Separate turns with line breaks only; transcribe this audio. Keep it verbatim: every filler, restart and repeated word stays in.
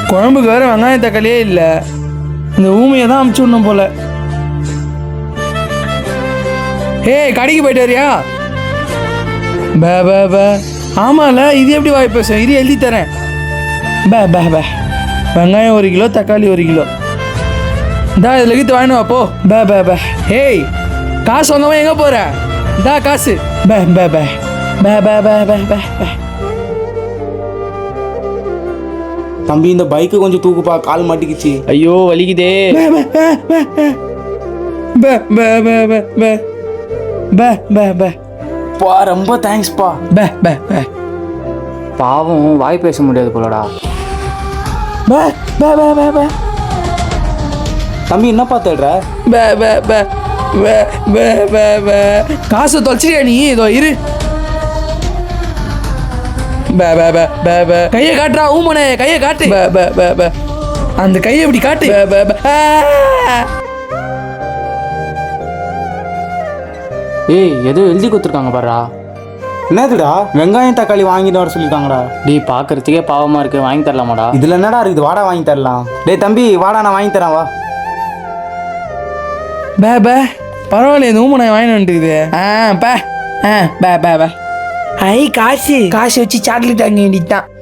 குழம்புக்கு வேற வெங்காயம் தக்காளியே இல்லை. இந்த ஊமையை தான் அமுச்சு விடணும் போல. ஏய் கடைக்கு போயிட்டு வரியா? பே பே பே. ஆமால, இது எப்படி வாய் பேசும்? இது எழுதி தரேன். பே பே பே. வெங்காயம் ஒரு கிலோ, தக்காளி ஒரு கிலோ. இந்தா இதில் கீத்து வாங்கினு வா போ. பே பே பே. ஏய் காசு வாங்காம எங்கே போகிற? இந்தா காசு. பே பே பே பே பே பே பே பே பே.
தம்பி இந்த பைக்கு கொஞ்சம் தூக்குப்பா, கால் மாட்டிக்கிச்சு.
ஐயோ வலிக்குதே.
பே பே பே பே பே பே பே பே பே பே பே.
பா ரொம்ப தேங்க்ஸ்ப்பா.
பே பே பே.
பாவம் வாய் பேச முடியாது போலடா.
பே பே பே பே பே.
தம்பி என்னப்பா தேடுற?
பே பே பே பே பே பே பே. காசு தொலைச்சிட்டியா நீ? இதோ இரு. பே பே பே பே பே. கையை காட்டுறா ஊமனே, கையை காட்டு. பே பே பே பே. அந்த கையை இப்படி காட்டு. பே பே பே.
ஏய் ஏதோ எழுதி கொடுத்துருக்காங்க பாருடா.
என்னதுடா? வெங்காயம் தக்காளி வாங்கிட்டு வர சொல்லியிருக்காங்கடா.
டேய் பார்க்கறதுக்கே பாவமா இருக்கு, வாங்கி தரலாமாடா?
இதுல என்னடா இருக்குது? வாடா வாங்கி தரலாம். டேய் தம்பி வாடா, நான் வாங்கி தரேன் வா.
பே பே. பரவாயில்ல, இந்த ஊமனை வாங்கி வந்துட்டுக்குது. ஆ பே. ஆ பே பே பே. ஐ காசு காசு வச்சு சாக்லேட் வாங்கி வேண்டியதுதான்.